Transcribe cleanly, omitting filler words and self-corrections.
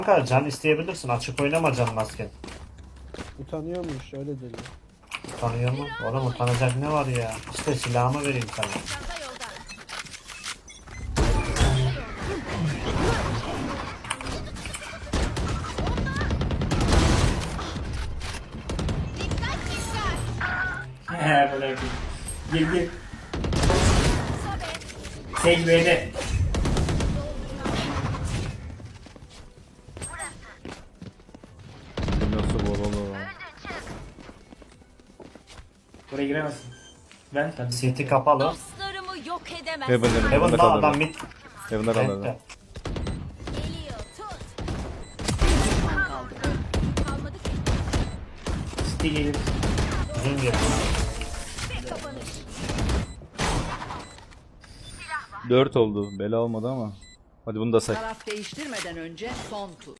Kanka can isteyebilirsin. Açık oynama can masken. Utanıyormuş öyle dedi. Utanıyor mu? Oğlum utanacak ne var ya? İşte silahımı vereyim sana. Çanta yolda. Dikkat dikkat. He böyle gir gir. Sobe. Sage B'de. Nasıl bolalı? Buraya giremezsin. Ben tabii. City kapalı. Dostlarımı yok edemez. Heaven'da Heaven'da kaldı. adam mid. Heaven'da kaldı. Bekle. Geliyor tut. Kalmadı ki. City gelir. Uzun geliyor. Bir kapanış. 4 oldu. Bela olmadı ama. Hadi bunu da say. Taraf değiştirmeden önce son tur.